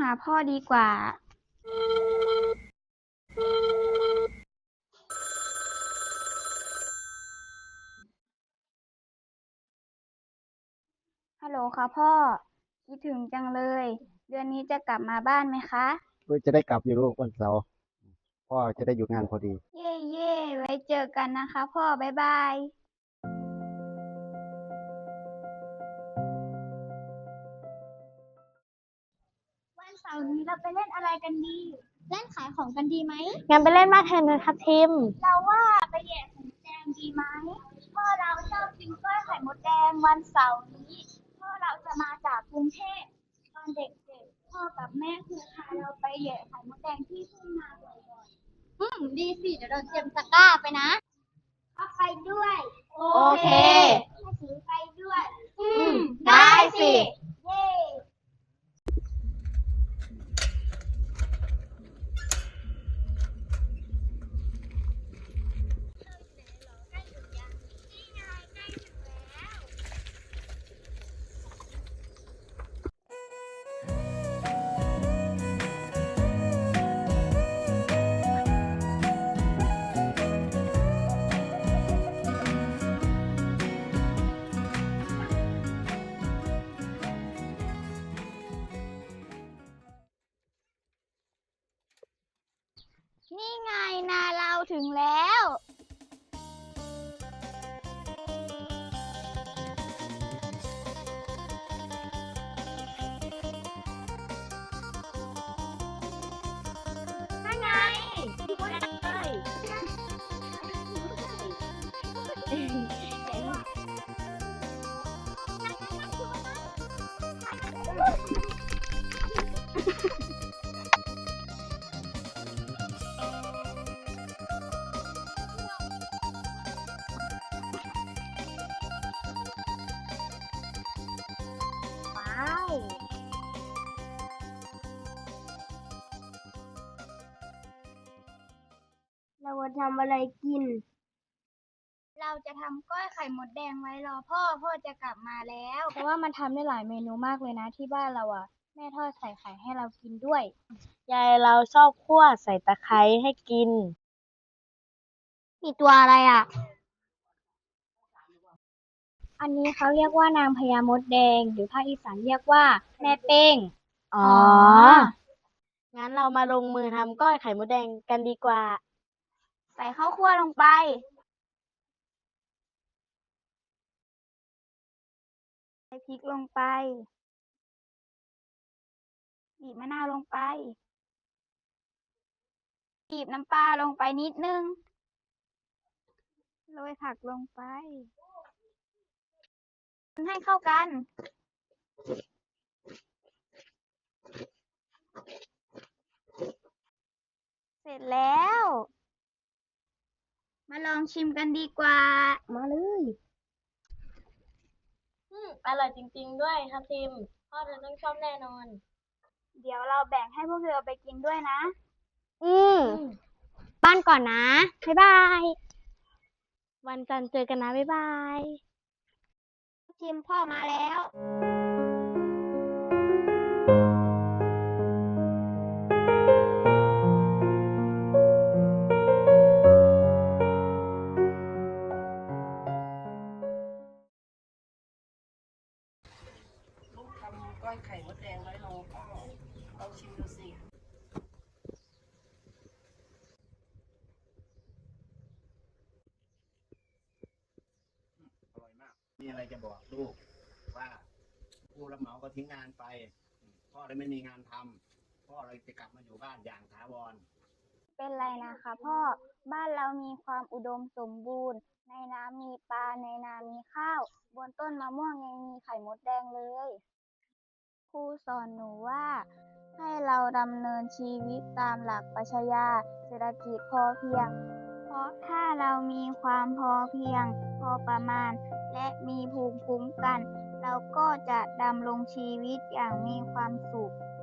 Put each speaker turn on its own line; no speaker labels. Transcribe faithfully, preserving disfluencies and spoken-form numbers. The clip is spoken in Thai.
าพ่อดีกว่าฮัลโหลค่ะพ่อคิดถึงจังเลยเดือนนี้จะกลับมาบ้านไหมคะ
เพื่อจะได้กลับอยู่ลูกวันเสาร์พ่อจะได้อยู่งานพอดี
เย่เย่ไว้เจอกันนะคะพ่อบ๊ายบายวันเสาร์นี้เราไปเล่นอะไรกันดีเล่นขายของกันดีไหม
งั้นไปเล่นบ้านแทนเลยครับทีม
เราว่าไปแย่ไข่มดแดงดีไหมพ่อเราชอบกินกล้วยไข่มดแดงวันเสาร์นี้พ่อเราจะมาจากกรุงเทพตอนเด็กๆพ่อกับแม่คือพาเราไปแย่ไข่มดแดงที่ทุ่งนาบ่อยๆอืมดีสิเดี๋ยวเราเตรียมตะกร้าไปนะพ่อไปด้วยโอเคแม่ถือไปด้วยอืมได้สิเย้นี่ไงนาเราถึงแล้วนั่นไงดูเลยว้าวเราจะทำอะไรกิน เราจะทำกล้อยไข่มดแดงไว้รอพ่อ พ่อจะกลับมาแล้ว เพราะว่ามันทำได้หลายเมนูมากเลยนะที่บ้านเราอ่ะ แม่ทอดใส่ไข่ให้เรากินด้วย
ยายเราชอบคั่วใส่ตะไคร้ให้กิน
มีตัวอะไรอ่ะ อันนี้เขาเรียกว่านางพญามดแดง หรือภาคอีสานเรียกว่าแม่เป้ง
อ๋อ งั้นเรามาลงมือทำก้อยไข่มดแดงกันดีกว่า
ใส่ข้าวคั่วลงไป ใส่พริกลงไป บีบมะนาวลงไป บีบน้ำปลาลงไปนิดนึง โรยผักลงไปคนให้เข้ากัน เสร็จแล้ว มาลองชิมกันดีกว่า
มาเลยอืมอร่อยจริงๆด้วยครับทีมพ่อเธอต้องชอบแน่นอน
เดี๋ยวเราแบ่งให้พวกเธอไปกินด้วยนะ
อืมบ้านก่อนนะ บ๊ายบาย วันจันทร์เจอกันนะ บ๊ายบาย
ชิมพ่อมาแล้ว
ลูกทำก้อยไข่มดแดงไว้รอพ่อลองชิมดูสิอร่อยมากมีอะไรจะบอกลูกว่าผู้รับเหมาก็ทิ้งงานไปพ่อเลยไม่มีงานทำพ่อเลยจะกลับมาอยู่บ้านอย่างถาวร
เป็นไรนะคะพ่อ บ้านเรามีความอุดมสมบูรณ์ ในน้ำมีปลา ในนามีข้าว บนต้นมะม่วงยังมีไข่มดแดงเลย ครูสอนหนูว่า ให้เราดำเนินชีวิตตามหลักปรัชญาเศรษฐกิจพอเพียง เพราะถ้าเรามีความพอเพียง พอประมาณ และมีภูมิคุ้มกัน เราก็จะดำรงชีวิตอย่างมีความสุข